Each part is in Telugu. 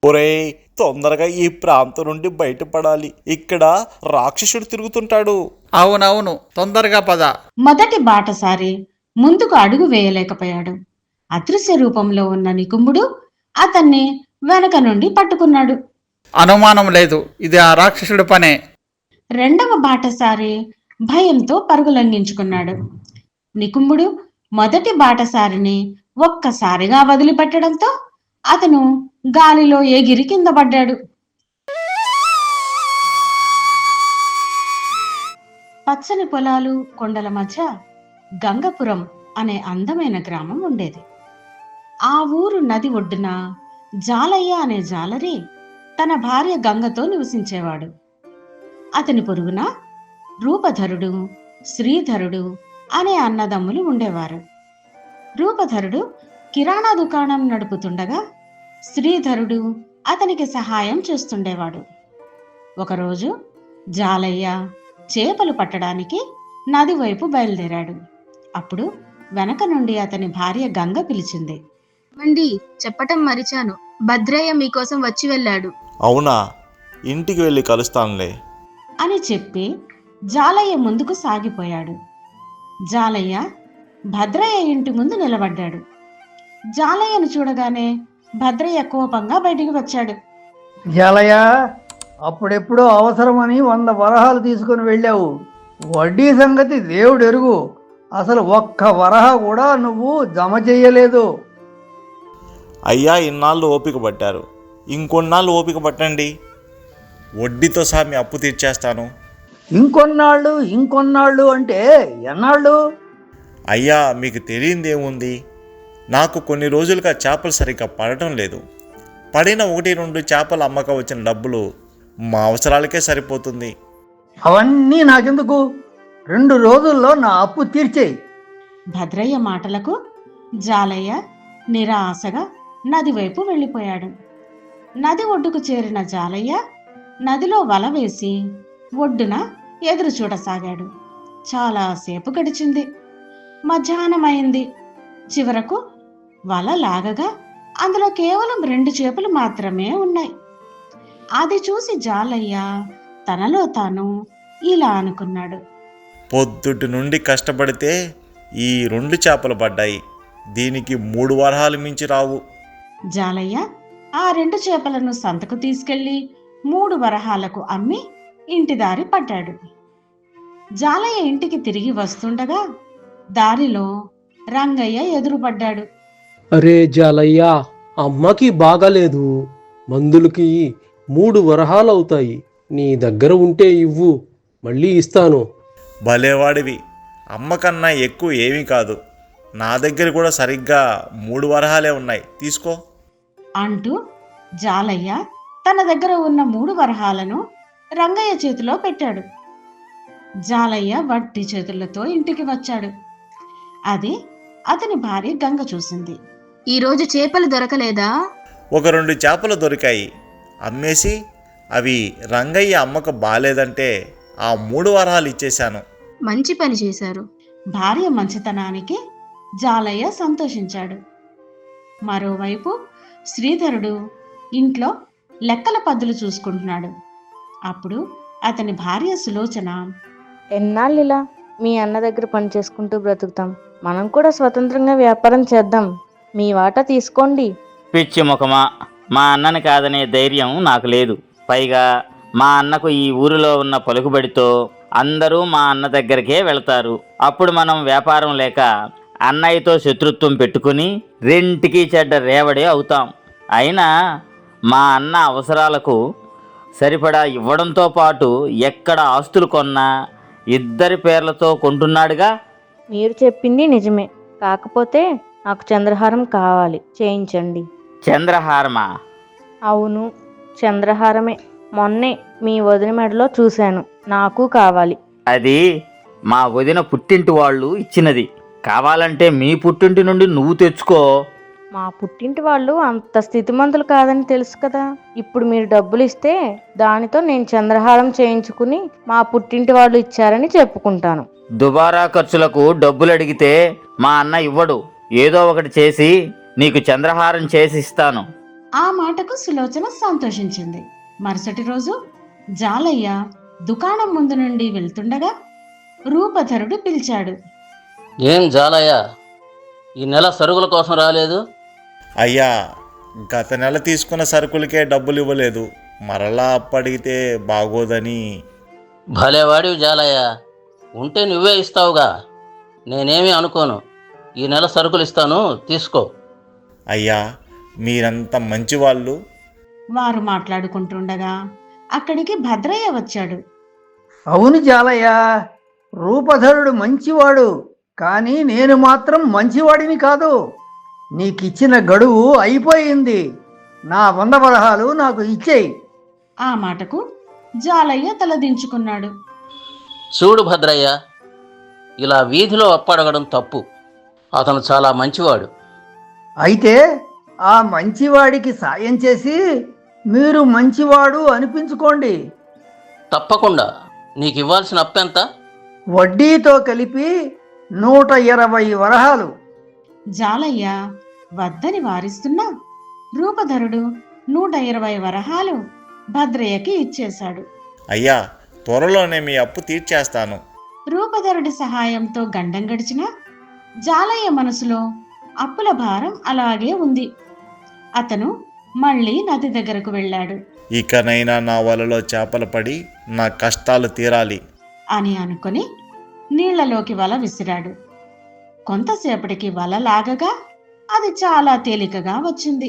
ఒరేయ్, తొందరగా ఈ ప్రాంతం నుండి బయటపడాలి. ఇక్కడ రాక్షసుడు తిరుగుతుంటాడు. అవునవును, తొందరగా పద. మొదటి బాటసారి ముందుకు అడుగు వేయలేకపోయాడు. అదృశ్య రూపంలో ఉన్న నికుంభుడు అతన్ని వెనక నుండి పట్టుకున్నాడు. అనుమానం లేదు, ఇది ఆ రాక్షసుడి పనే. రెండవ బాటసారి భయంతో పరుగులంఘించుకున్నాడు. నికుంభుడు మొదటి బాటసారిని ఒక్కసారిగా వదిలిపెట్టడంతో అతను గాలిలో ఎగిరి కింద పడ్డాడు. పచ్చని పొలాలు, కొండల మధ్య గంగపురం అనే అందమైన గ్రామం ఉండేది. ఆ ఊరు నది ఒడ్డున జాలయ్య అనే జాలరి తన భార్య గంగతో నివసించేవాడు. అతని పొరుగున రూపధరుడు, శ్రీధరుడు అనే అన్నదమ్ములు ఉండేవారు. రూపధరుడు కిరాణా దుకాణం నడుపుతుండగా శ్రీధరుడు అతనికి సహాయం చేస్తుండేవాడు. ఒకరోజు జాలయ్య చేపలు పట్టడానికి నది వైపు బయలుదేరాడు. అప్పుడు వెనక నుండి అతని భార్య గంగ పిలిచింది. ఏమండి, చెప్పటం మరిచాను, భద్రయ్య మీకోసం వచ్చి వెళ్ళాడు. అవునా, ఇంటికి వెళ్ళి కలుస్తానులే అని చెప్పి జాలయ్య ముందుకు సాగిపోయాడు. జాలయ్య భద్రయ్య ఇంటి ముందు నిలబడ్డాడు. జాలయ్యను చూడగానే భద్రయ్య కోపంగా బయటికి వచ్చాడు. జాలయ్య, అప్పుడెప్పుడో అవసరమని 100 వరహాలు తీసుకుని వెళ్ళావు. వడ్డీ సంగతి దేవుడు ఎరుగు. అసలు ఒక్క వరహ కూడా నువ్వు జమ చెయ్యలేదు. అయ్యా, ఇన్నాళ్ళు ఓపిక పట్టారు, ఇంకొన్నాళ్ళు ఓపిక పట్టండి. వడ్డీతో సహా మీ అప్పు తీర్చేస్తాను. ఇంకొన్నాళ్ళు అంటే ఎన్నాళ్ళు? అయ్యా, మీకు తెలియందేముంది, నాకు కొన్ని రోజులుగా చేపలు సరిగ్గా పడటం లేదు. పడిన 1-2 చేపల అమ్మకం వచ్చిన డబ్బులు మా అవసరాలకే సరిపోతుంది. అవన్నీ నాకెందుకు? 2 రోజుల్లో నా అప్పు తీర్చేయి. భద్రయ్య మాటలకు జాలయ్య నిరాశగా నది వైపు వెళ్ళిపోయాడు. నది ఒడ్డుకు చేరిన జాలయ్య నదిలో వల వేసి ఒడ్డున ఎదురు చూడసాగాడు. చాలాసేపు గడిచింది. మధ్యాహ్నమైంది. చివరకు వల లాగగా అందులో కేవలం 2 చేపలు మాత్రమే ఉన్నాయి. అది చూసి జాలయ్య తనలో తాను ఇలా అనుకున్నాడు. పొద్దుటి నుండి కష్టపడితే ఈ 2 చేపలు పడ్డాయి. దీనికి 3 వరహాలు మించి రావు. జాలయ్య ఆ 2 చేపలను సంతకు తీసుకెళ్లి 3 వరహాలకు అమ్మి ఇంటి దారి పట్టాడు. జాలయ్య ఇంటికి తిరిగి వస్తుండగా దారిలో రంగయ్య ఎదురుపడ్డాడు. అరే జాలయ్య, అమ్మకి బాగాలేదు, మందులకి 3 వరహాలవుతాయి. నీ దగ్గర ఉంటే ఇవ్వు, మళ్ళీ ఇస్తాను. భలేవాడివి, అమ్మకన్నా ఎక్కువ ఏమీ కాదు. నా దగ్గర కూడా సరిగ్గా 3 వరహాలే ఉన్నాయి, తీసుకో అంటూ జాలయ్య తన దగ్గర ఉన్న 3 వరహాలను రంగయ్య చేతిలో పెట్టాడు. జాలయ్య వట్టి చేతులతో ఇంటికి వచ్చాడు. అది అతని భార్య గంగ చూసింది. ఈరోజు చేపలు దొరకలేదా? 1-2 చేపలు దొరికాయి, అమ్మేసి అవి రంగయ్య అమ్మకు బాలేదంటే ఆ 3 వరహాలు ఇచ్చేశాను. మంచి పని చేశారు. భార్య మంచితనానికి జాలయ్య సంతోషించాడు. మరోవైపు శ్రీధరుడు ఇంట్లో లెక్కల పద్దులు చూసుకుంటున్నాడు. అప్పుడు అతని భార్య సులోచన, ఎన్నాళ్ళిలా మీ అన్న దగ్గర పని చేసుకుంటూ బ్రతుకుతాం, మనం కూడా స్వతంత్రంగా వ్యాపారం చేద్దాం, మీ వాటా తీసుకోండి. పిచ్చి ముఖమా, మా అన్నని కాదనే ధైర్యం నాకు లేదు. పైగా మా అన్నకు ఈ ఊరిలో ఉన్న పలుకుబడితో అందరూ మా అన్న దగ్గరికే వెళతారు. అప్పుడు మనం వ్యాపారం లేక అన్నయ్యతో శత్రుత్వం పెట్టుకుని రెంటికి చెడ్డ రేవడే అవుతాం. అయినా మా అన్న అవసరాలకు సరిపడా ఇవ్వడంతో పాటు ఎక్కడ ఆస్తులు కొన్నా ఇద్దరి పేర్లతో కొంటున్నాడుగా. మీరు చెప్పింది నిజమే, కాకపోతే నాకు చంద్రహారం కావాలి, చేయించండి. చంద్రహారమా? అవును, చంద్రహారమే. మొన్నే మీ వదిన మెడలో చూశాను, నాకు కావాలి. అది మా వదిన పుట్టింటి వాళ్ళు ఇచ్చినది. కావాలంటే మీ పుట్టింటి నుండి నువ్వు తెచ్చుకో. మా పుట్టింటి వాళ్ళు అంత స్థితిమంతులు కాదని తెలుసు కదా. ఇప్పుడు మీరు డబ్బులు ఇస్తే దానితో నేను చంద్రహారం చేయించుకుని మా పుట్టింటి వాళ్ళు ఇచ్చారని చెప్పుకుంటాను. దుబారా ఖర్చులకు డబ్బులు అడిగితే మా అన్న ఇవ్వడు. ఏదో ఒకటి చేసి నీకు చంద్రహారం చేసి ఇస్తాను ఆ మాటకు సులోచన సంతోషించింది. మరుసటి రోజు జాలయ్య దుకాణం ముందు నుండి వెళ్తుండగా రూపధరుడు పిలిచాడు. ఏం జాలయ్య, ఈ నెల సరుకుల కోసం రాలేదు? అయ్యా, గత నెల తీసుకున్న సరుకులకే డబ్బులు ఇవ్వలేదు, మరలా అప్పడిగితే బాగోదని. భలేవాడివి జాలయ్య, ఉంటే నువ్వే ఇస్తావుగా, నేనేమీ అనుకోను. ఈ నెల సరుకులు ఇస్తాను, తీసుకో. అయ్యా, మీరంత మంచివాళ్ళు. వారు మాట్లాడుకుంటుండగా అక్కడికి భద్రయ్య వచ్చాడు. అవును జాలయ్య, రూపధరుడు మంచివాడు, కానీ నేను మాత్రం మంచివాడిని కాదు. నీకిచ్చిన గడువు అయిపోయింది. నా 100 వరహాలు నాకు ఇచ్చేయి. ఆ మాటకు జాలయ్య తలదించుకున్నాడు. చూడు భద్రయ్య, ఇలా వీధిలో అప్పడగడం తప్పు. అతను చాలా మంచివాడు. అయితే ఆ మంచివాడికి సాయం చేసి మీరు మంచివాడు అనిపించుకోండి. తప్పకుండా. నీకు ఇవ్వాల్సిన అప్పెంత? వడ్డీతో కలిపి 120 వరహాలు. జాలయ్య వద్దని వారిస్తున్నా రూపధరుడు 120 వరహాలు భద్రయ్యకి ఇచ్చేశాడు. అయ్యా, త్వరలోనే మీ అప్పు తీర్చేస్తాను. రూపధరుడి సహాయంతో గండం గడిచిన జాలయ్య మనసులో అప్పుల భారం అలాగే ఉంది. అతను మళ్ళీ నది దగ్గరకు వెళ్ళాడు. ఇకనైనా నా వలలో చేపలు పడి నా కష్టాలు తీరాలి అని అనుకుని నీళ్లలోకి వల విసిరాడు. కొంతసేపటికి వల లాగగా అది చాలా తేలికగా వచ్చింది.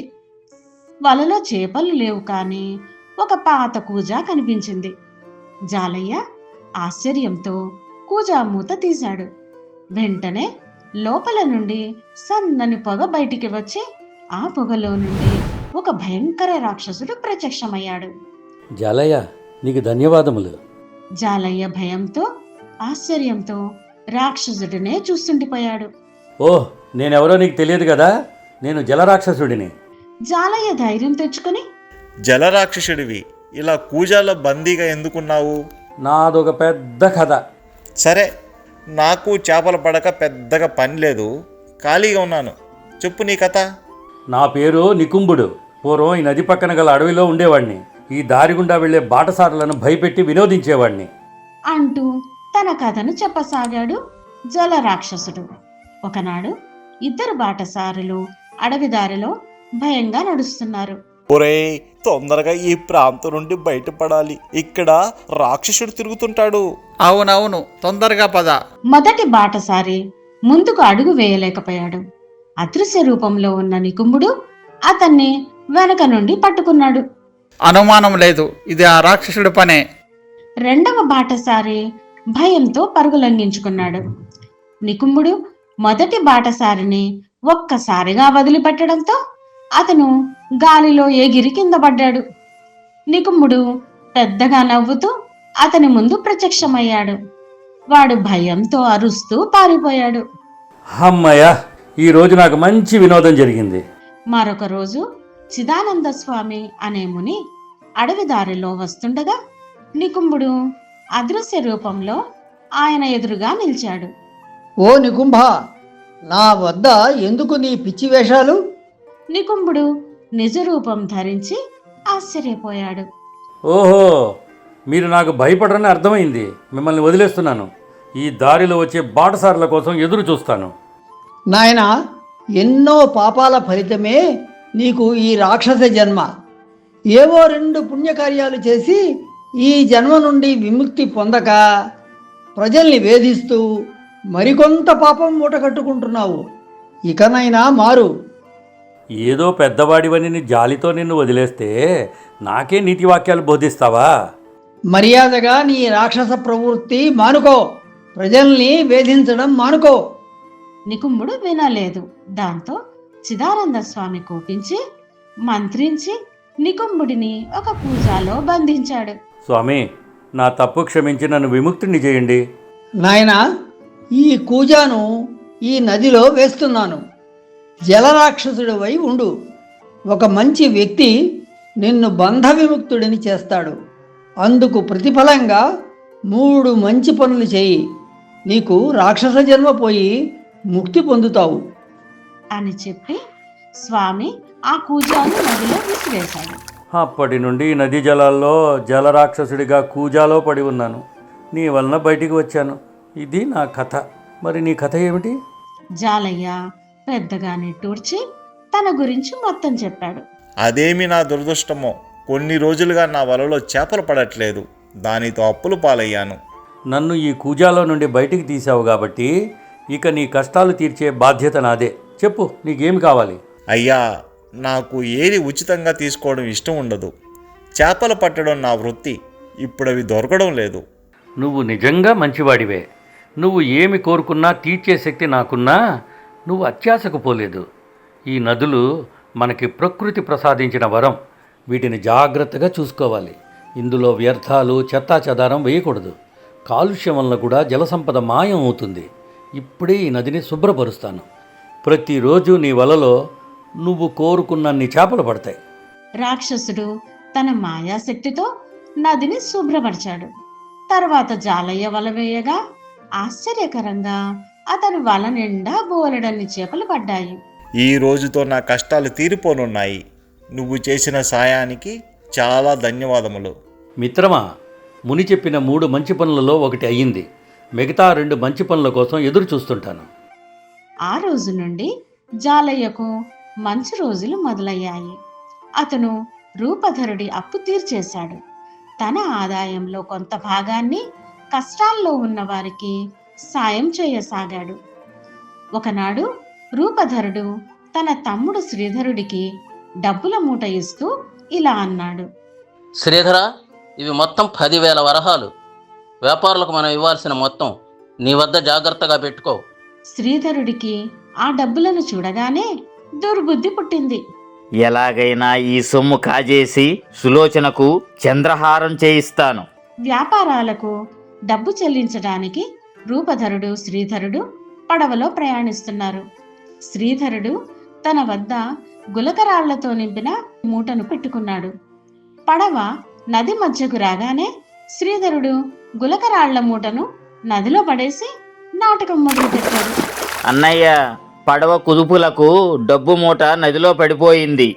వలలో చేపలు లేవు, కానీ ఒక పాత కూజా కనిపించింది. జాలయ్య ఆశ్చర్యంతో కూజా మూత తీశాడు. వెంటనే లోపల నుండి సన్నని పొగ బయటికి వచ్చి ఆ పొగలో నుండి ఒక భయంకర రాక్షసుడు ప్రత్యక్షమయ్యాడు. జాలయ్య, నీకు ధన్యవాదములు. జాలయ్య భయంతో ఆశ్చర్యంతో రాక్షసుడినే చూస్తుండిపోయాడు. ఓహ్, నేనెవరో నీకు తెలియదు కదా, నేను జలరాక్షసుడిని. జాలయ్య ధైర్యం తెచ్చుకుని, జలరాక్షసుడివి, ఇలా కూజాలో బందీగా ఎందుకున్నావు? నాదొక పెద్ద కథ. సరే, నాకు చేపలు పడక పెద్దగా పని లేదు, ఖాళీగా ఉన్నాను, చెప్పు నీ కథ. నా పేరు నికుంభుడు. పూర్వం ఈ నది పక్కన గల అడవిలో ఉండేవాడిని. ఈ దారి గుండా వెళ్లే బాటసారులను భయపెట్టి వినోదించేవాడిని. అంటూ తన కథను చెప్పసాగాడు జలరాక్షసుడు. ఒకనాడు ఇద్దరు బాటసారులు అడవి దారిలో భయంగా నడుస్తున్నారు. ఒరేయ్, తొందరగా ఈ ప్రాంతం నుండి బయటపడాలి, ఇక్కడ రాక్షసుడు తిరుగుతుంటాడు. అవునవును, తొందరగా పద. మొదటి బాటసారి ముందుకు అడుగు వేయలేకపోయాడు. అదృశ్య రూపంలో ఉన్న నికుంభుడు అతన్ని వెనక నుండి పట్టుకున్నాడు. అనుమానం లేదు, ఇది ఆ రాక్షసుడి పనే. రెండవ బాటసారి భయంతో పరుగులంఘించుకున్నాడు. నికుంభుడు మొదటి బాటసారిని ఒక్కసారిగా వదిలిపెట్టడంతో అతను గాలిలో ఎగిరి కింద పడ్డాడు. నికుంభుడు పెద్దగా నవ్వుతూ అతని ముందు ప్రత్యక్షమయ్యాడు. వాడు భయంతో అరుస్తూ పారిపోయాడు. అమ్మయ్య, ఈ రోజు నాకు మంచి వినోదం జరిగింది. మరొక రోజు చిదానంద స్వామి అనే ముని అడవి దారిలో వస్తుండగా నికుంభుడు అదృశ్య రూపంలో ఆయన ఎదురుగా నిలిచాడు. ఓ నికుంభ, నా వద్ద ఎందుకు నీ పిచ్చి వేషాలు? నికుంభుడు నిజ రూపం ధరించి ఆశ్చర్యపోయాడు. ఓహో, మీరు నాకు భయపడరని అర్థమైంది. మిమ్మల్ని వదిలేస్తున్నాను. ఈ దారిలో వచ్చే బాటసారుల కోసం ఎదురు చూస్తాను. నాయనా, ఎన్నో పాపాల ఫలితమే నీకు ఈ రాక్షస జన్మ. ఏవో 2 పుణ్యకార్యాలు చేసి ఈ జన్మ నుండి విముక్తి పొందక ప్రజల్ని వేధిస్తూ మరికొంత పాపం మూట కట్టుకుంటున్నావు. ఇకనైనా మారు. ఏదో పెద్దవాడివని జాలితో నిన్ను వదిలేస్తే నాకే నీతి వాక్యాలు బోధిస్తావా? మర్యాదగా నీ రాక్షస ప్రవృత్తి మానుకో. ప్రజల్ని వేధించడం మానుకో. నికుంభుడు వినలేదు. దాంతో చిదానంద స్వామి కోపించి మంత్రించి నికుంభుడిని ఒక కూజాలో బంధించాడు. స్వామి, నా తప్పు క్షమించి నన్ను విముక్తిని చేయండి. నాయనా, ఈ కూజాను ఈ నదిలో వేస్తున్నాను. జలరాక్షసుడివై ఉండు. ఒక మంచి వ్యక్తి నిన్ను బంధ విముక్తుడిని చేస్తాడు. అందుకు ప్రతిఫలంగా 3 మంచి పనులు చేయి. నీకు రాక్షస జన్మ పోయి ముక్తి పొందుతావు అని చెప్పి స్వామి ఆ కూజాను నదిలో విసిరేశాడు. అప్పటి నుండి నదీ జలాల్లో జలరాక్షసుడిగా కూజాలో పడి ఉన్నాను. నీ వలన బయటికి వచ్చాను. ఇది నా కథ. మరి నీ కథ ఏమిటి? జాలయ్య పెద్దగా నిట్టూర్చి తన గురించి మొత్తం చెప్పాడు. అదేమి నా దురదృష్టమో, కొన్ని రోజులుగా నా వలలో చేపలు పడట్లేదు. దానితో అప్పులు పాలయ్యాను. నన్ను ఈ కూజాలో నుండి బయటికి తీసావు కాబట్టి ఇక నీ కష్టాలు తీర్చే బాధ్యత నాదే. చెప్పు, నీకేమి కావాలి? అయ్యా, నాకు ఏది ఉచితంగా తీసుకోవడం ఇష్టం ఉండదు. చేపలు పట్టడం నా వృత్తి. ఇప్పుడు అవి దొరకడం లేదు. నువ్వు నిజంగా మంచివాడివే. నువ్వు ఏమి కోరుకున్నా తీర్చే శక్తి నాకున్నా నువ్వు అత్యాశకు పోలేదు. ఈ నదులు మనకి ప్రకృతి ప్రసాదించిన వరం. వీటిని జాగ్రత్తగా చూసుకోవాలి. ఇందులో వ్యర్థాలు, చెత్తా చెదారం వేయకూడదు. కాలుష్యం వలన కూడా జలసంపద మాయం అవుతుంది. ఇప్పుడే ఈ నదిని శుభ్రపరుస్తాను. ప్రతిరోజు నీ వలలో నువ్వు కోరుకున్నన్ని చేపలు పడతాయి. రాక్షసుడు తన మాయాశక్తితో నదిని శుభ్రపరిచాడు. తర్వాత జాలయ్య వల వేయగా ఆశ్చర్యకరంగా అతని వల నిండా బోలెడన్ని చేపలు పడ్డాయి. ఈ రోజుతో నా కష్టాలు తీరిపోనున్నాయి. నువ్వు చేసిన సాయానికి చాలా ధన్యవాదములు. మిత్రమా, ముని చెప్పిన 3 మంచి పనులలో ఒకటి అయ్యింది. మిగతా 2 మంచి పనుల కోసం ఎదురు చూస్తుంటాను. ఆ రోజు నుండి జాలయ్యకు మంచి రోజులు మొదలయ్యాయి. అతను రూపధరుడి అప్పు తీర్చేశాడు. తన ఆదాయంలో కొంత భాగాన్ని కష్టాల్లో ఉన్న వారికి సాయం చేయసాగాడు. ఒకనాడు రూపధరుడు తన తమ్ముడు శ్రీధరుడికి డబ్బుల మూట ఇస్తూ ఇలా అన్నాడు. శ్రీధర, ఇవి మొత్తం 10,000 వరహాలు. వ్యాపారులకు మనం ఇవ్వాల్సిన మొత్తం. నీ వద్ద జాగ్రత్తగా పెట్టుకో. శ్రీధరుడికి ఆ డబ్బులను చూడగానే దుర్బుద్ధి పుట్టింది. ఎలాగైనా ఈ సొమ్ము కాజేసి సులోచనకు చంద్రహారం చేయిస్తాను. వ్యాపారాలకు డబ్బు చెల్లించడానికి రూపధరుడు, శ్రీధరుడు పడవలో ప్రయాణిస్తున్నారు. శ్రీధరుడు తన వద్ద గులకరాళ్లతో నింపిన మూటను పెట్టుకున్నాడు. పడవ నది మధ్యకు రాగానే శ్రీధరుడు గులకరాళ్ల మూటను నదిలో పడేసి నాటకం మొదలుపెట్టాడు. అన్నయ్య, పడవ కుదుపులకు డబ్బు మూట నదిలో పడిపోయింది.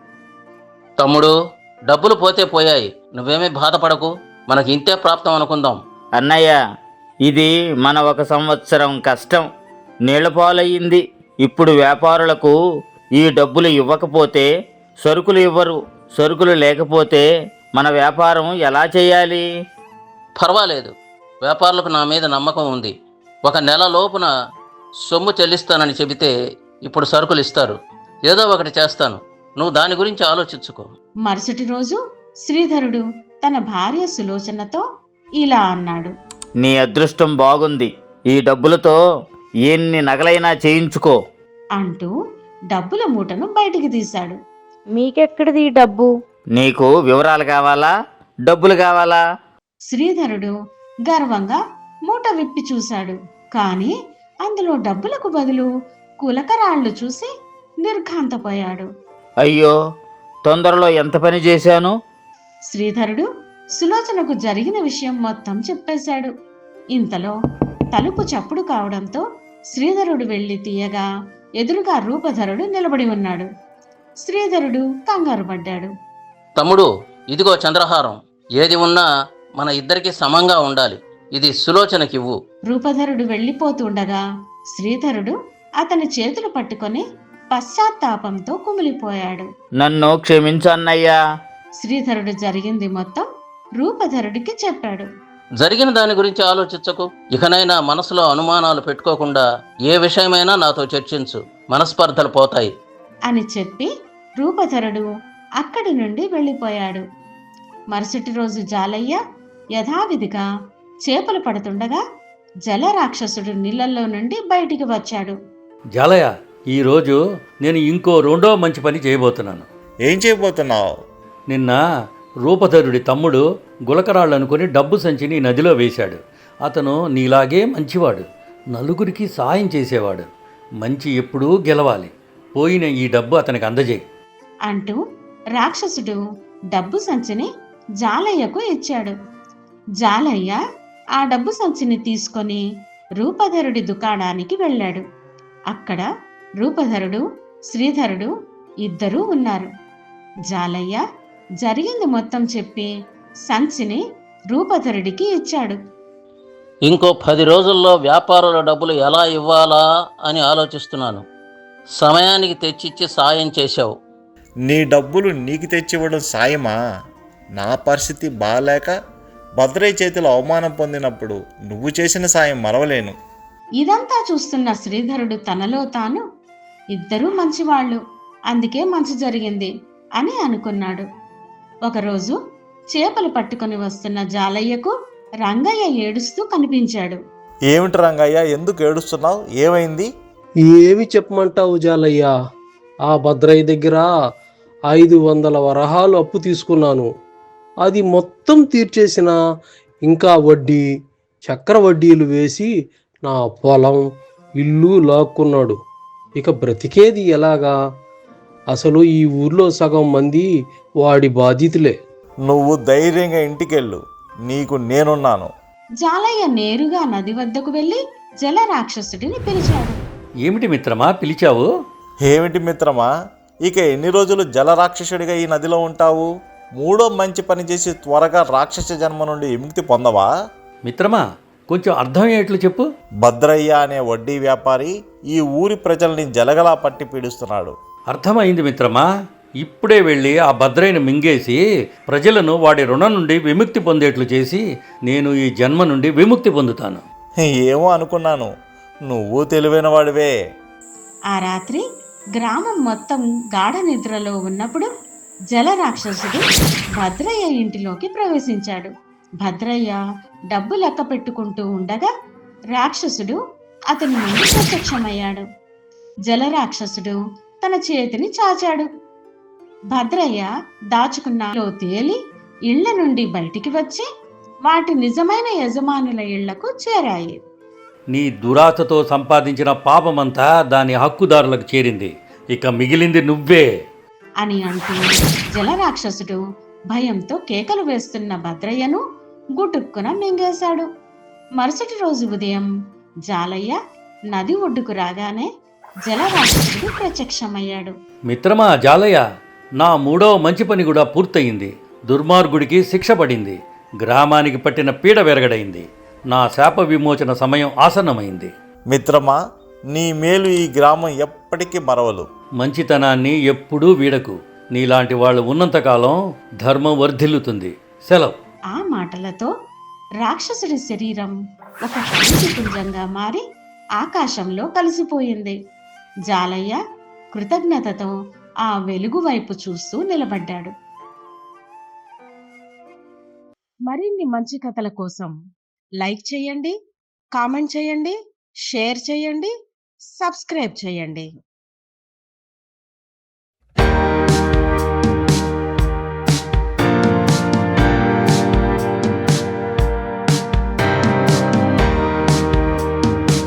తమ్ముడు, డబ్బులు పోతే పోయాయి. నువ్వేమీ బాధపడకు. మనకి ఇంతే ప్రాప్తం అనుకుందాం. అన్నయ్య, ఇది మన 1 సంవత్సరం కష్టం నీళ్లపాలయ్యింది. ఇప్పుడు వ్యాపారులకు ఈ డబ్బులు ఇవ్వకపోతే సరుకులు ఇవ్వరు. సరుకులు లేకపోతే మన వ్యాపారం ఎలా చేయాలి? పర్వాలేదు, వ్యాపారులకు నా మీద నమ్మకం ఉంది. 1 నెల లోపున సొమ్ము చెల్లిస్తానని చెబితే ఇప్పుడు సరుకులు ఇస్తారు. ఏదో ఒకటి చేస్తాను. నువ్వు దాని గురించి ఆలోచించుకో. మరుసటి రోజు శ్రీధరుడు తన భార్య సులోచనతో ఇలా అన్నాడు. నీ అదృష్టం బాగుంది. ఈ డబ్బులతో ఎన్ని నగలైనా చేయించుకో అంటూ డబ్బుల మూటను బయటికి తీశాడు. మీకెక్కడిది ఈ డబ్బు? నీకు వివరాలు కావాలా, డబ్బులు కావాలా? శ్రీధరుడు గర్వంగా మూట విప్పి చూశాడు. కాని అందులో డబ్బులకు బదులు కులకరాళ్లు చూసి నిర్ఘాంతపోయాడు. అయ్యో, తొందరలో ఎంత పని చేశాను. శ్రీధరుడు సులోచనకు జరిగిన విషయం మొత్తం చెప్పేశాడు. ఇంతలో తలుపు చప్పుడు కావడంతో శ్రీధరుడు వెళ్లి తీయగా ఎదురుగా రూపధరుడు నిలబడి ఉన్నాడు. శ్రీధరుడు కంగారు పడ్డాడు. తమ్ముడు, ఇదిగో చంద్రహారం. ఏది ఉన్నా మన ఇద్దరికి సమంగా ఉండాలి. ఇది సులోచనకివ్వు. రూపధరుడు వెళ్ళిపోతుండగా శ్రీధరుడు అతని చేతులు పట్టుకొని పశ్చాత్తాపంతో కుమిలిపోయాడు. నన్ను క్షమించు అన్నయ్యా. శ్రీధరుడు జరిగింది మొత్తం రూపధరుడికి చెప్పాడు. జరిగిన దాని గురించి ఆలోచించకు. ఇకనైనా మనసులో అనుమానాలు పెట్టుకోకుండా ఏ విషయమైనా నాతో చర్చించు. మనస్పర్ధలు పోతాయి అని చెప్పి రూపధరుడు అక్కడి నుండి వెళ్ళిపోయాడు. మరుసటి రోజు జాలయ్య యథావిధిగా చేపలు పడుతుండగా జలరాక్షసుడు నీళ్ళల్లో నుండి బయటికి వచ్చాడు. జాలయ్య, ఈరోజు నేను ఇంకో 2వ మంచి పని చేయబోతున్నాను. ఏం చేయబోతున్నావు? నిన్న రూపధరుడి తమ్ముడు గులకరాళ్ళు అనుకుని డబ్బు సంచిని నదిలో వేశాడు. అతను నీలాగే మంచివాడు. నలుగురికి సాయం చేసేవాడు. మంచి ఎప్పుడూ గెలవాలి. పోయిన ఈ డబ్బు అతనికి అందజేయి అంటూ రాక్షసుడు డబ్బు సంచిని జాలయ్యకు ఇచ్చాడు. జాలయ్య ఆ డబ్బు సంచిని తీసుకొని రూపధరుడి దుకాణానికి వెళ్ళాడు. అక్కడ రూపధరుడు, శ్రీధరుడు ఇద్దరూ ఉన్నారు. జాలయ్య జరిగింది మొత్తం చెప్పి సంచిని రూపధరుడికి ఇచ్చాడు. ఇంకో 10 రోజుల్లో వ్యాపారుల డబ్బులు ఎలా ఇవ్వాలా అని ఆలోచిస్తున్నాను. సమయానికి తెచ్చిచ్చి సాయం చేశావు. నీ డబ్బులు నీకు తెచ్చివ్వడం సాయమా? నా పరిస్థితి బాలేక భద్రయ్య చేతిలో అవమానం పొందినప్పుడు నువ్వు చేసిన సాయం మరవలేను. ఇదంతా చూస్తున్న శ్రీధరుడు తనలో తాను, ఇద్దరూ మంచివాళ్ళు, అందుకే మంచి జరిగింది అని అనుకున్నాడు. ఒకరోజు చేపలు పట్టుకొని వస్తున్న జాలయ్యకు రంగయ్య ఏడుస్తూ కనిపించాడు. ఏమిటి రంగయ్య, ఎందుకు ఏడుస్తున్నావు? ఏమైంది? ఏమి చెప్పమంటావు జాలయ్య? ఆ భద్రయ్య దగ్గర 500 వరహాలు అప్పు తీసుకున్నాను. అది మొత్తం తీర్చేసిన ఇంకా వడ్డీ, చక్ర వడ్డీలు వేసి నా పొలం, ఇల్లు లాక్కున్నాడు. ఇక బ్రతికేది ఎలాగా? అసలు ఈ ఊర్లో సగం మంది వాడి బాధితులే. నువ్వు ధైర్యంగా ఇంటికెళ్ళు, నీకు నేనున్నాను. జాలయ్య నేరుగా నది వద్దకు వెళ్లి జల రాక్షసుడిని పిలిచాడు. ఏమిటి మిత్రమా పిలిచావు? ఏమిటి మిత్రమా, ఇక ఎన్ని రోజులు జలరాక్షసుడిగా ఈ నదిలో ఉంటావు? మూడో మంచి పని చేసి త్వరగా రాక్షస జన్మ నుండి విముక్తి పొందవా? మిత్రమా కొంచెం అర్థమయ్యేట్లు చెప్పు. భద్రయ్య అనే వడ్డీ వ్యాపారి ఈ ఊరి ప్రజల్ని జలగలా పట్టి పీడిస్తున్నాడు. అర్థమైంది మిత్రమా. ఇప్పుడే వెళ్ళి ఆ భద్రయ్యను మింగేసి ప్రజలను వాడి రుణం నుండి విముక్తి పొందేట్లు చేసి నేను ఈ జన్మ నుండి విముక్తి పొందుతాను. ఏమో అనుకున్నాను, నువ్వు తెలివైన వాడివే. ఆ రాత్రి గ్రామం మొత్తం గాఢ నిద్రలో ఉన్నప్పుడు జలరాక్షసుడు భద్రయ్య ఇంటిలోకి ప్రవేశించాడు. భద్రయ్య డబ్బు లెక్క పెట్టుకుంటూ ఉండగా రాక్షసుడు అతని నుండి ప్రత్యక్షమయ్యాడు. జలరాక్షసుడు తన చేతిని చాచాడు. భద్రయ్య దాచుకున్నలో తేలి ఇళ్ల నుండి బయటికి వచ్చి వాటి నిజమైన యజమానుల ఇళ్లకు చేరాయి. నీ దురాశతో సంపాదించిన పాపమంతా దాని హక్కుదారులకు చేరింది. ఇక మిగిలింది నువ్వే అని అంటూ జలరాక్షసుడు భయంతో కేకలు వేస్తున్న భద్రయ్యను గుటుక్కున మింగేశాడు. మరుసటి రోజు ఉదయం జాలయ్య నది ఒడ్డుకు రాగానే జలరాక్షసుడు ప్రత్యక్షమయ్యాడు. మిత్రమా జాలయ్య, నా 3వ మంచి పని కూడా పూర్తయింది. దుర్మార్గుడికి శిక్ష పడింది. గ్రామానికి పట్టిన పీడ వెరగడైంది. నా శాప విమోచన సమయం ఆసన్నమైంది. మిత్రమా, నీ మేలు ఈ గ్రామం ఎప్పటికీ మరవలు. మంచితనాన్ని ఎప్పుడూ వీడకు. నీలాంటి వాళ్ళు ఉన్నంతకాలం ధర్మం వర్ధిల్లుతుంది. సెలవు. ఆ మాటలతో రాక్షసుడి శరీరం ఒక పుంజంగా మారి ఆకాశంలో కలిసిపోయింది. జాలయ్య కృతజ్ఞతతో ఆ వెలుగు వైపు చూస్తూ నిలబడ్డాడు. మరిన్ని మంచి కథల కోసం లైక్ చేయండి, కామెంట్ చేయండి, షేర్ చేయండి, సబ్స్క్రైబ్ చేయండి.